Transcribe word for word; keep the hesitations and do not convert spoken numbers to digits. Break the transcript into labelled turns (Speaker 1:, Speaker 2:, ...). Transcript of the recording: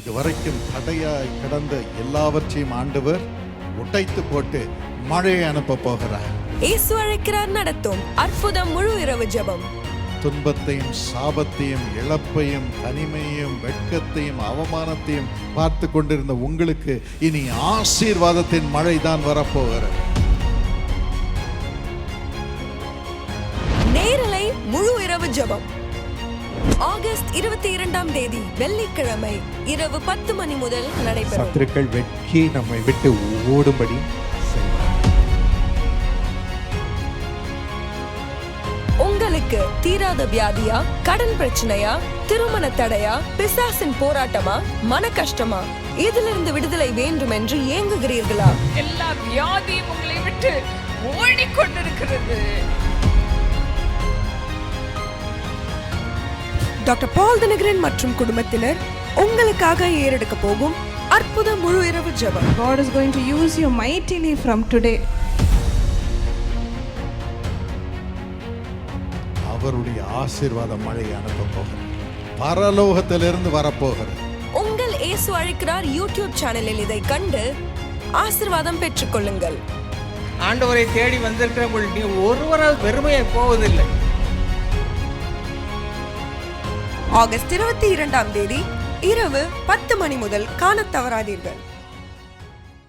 Speaker 1: இதுவரைக்கும் தடையாய் கிடந்த எல்லாவற்றையும் ஆண்டவர் உடைத்து போட்டு மழையை அனுப்ப போகிறார்.
Speaker 2: இயேசு அழைக்கிறார் நடத்தும் அற்புதம் முழு இரவு ஜெபம்.
Speaker 1: துன்பத்தையும் சாபத்தையும் இழப்பையும் தனிமையும் வெட்கத்தையும் அவமானத்தையும் பார்த்து கொண்டிருந்த உங்களுக்கு இனி ஆசீர்வாதத்தின் மழை தான் வரப்போகிறது.
Speaker 2: நேரலை முழு இரவு ஜெபம் ஆகஸ்ட் இருபத்தி இரண்டாம் தேதி வெள்ளிக்கிழமை இரவு பத்து மணி முதல் நடைபெறும்.
Speaker 3: சத்துருக்கள் வெட்கி நம்மை விட்டு ஓடும்படி
Speaker 2: உங்களுக்கு தீராத வியாதியா, கடன் பிரச்சனையா, திருமண தடையா, பிசாசின் போராட்டமா, மன கஷ்டமா, இதிலிருந்து விடுதலை வேண்டும் என்று ஏங்குகிறீர்களா?
Speaker 4: எல்லா வியாதியும் உங்களை விட்டு ஓடிக்கொண்டிருக்கிறது.
Speaker 2: டாக்டர் பால் தினகரன் மற்றும் குடும்பத்தினர் உங்களுக்காக ஏறெடுக்க போகும் அற்புத முழு இரவு ஜெபம்.
Speaker 5: God is going to use you mightily from today.
Speaker 1: அவருடைய ஆசீர்வாத மழை அனுப்ப போகிறது. பரலோகத்திலிருந்து வரப்போகிறது.
Speaker 2: உங்கள் இயேசு அழைக்கிறார் யூடியூப் சேனலில் இதை கண்டு ஆசீர்வாதம் பெற்றுக் கொள்ளுங்கள்.
Speaker 6: ஆண்டவரை தேடி வந்திருக்கிற நீ ஒருவரால் வெறுமையை போவதில்லை.
Speaker 2: ஆகஸ்ட் இருபத்தி இரண்டாம் தேதி இரவு பத்து மணி முதல் காணத் தவறாதீர்கள்.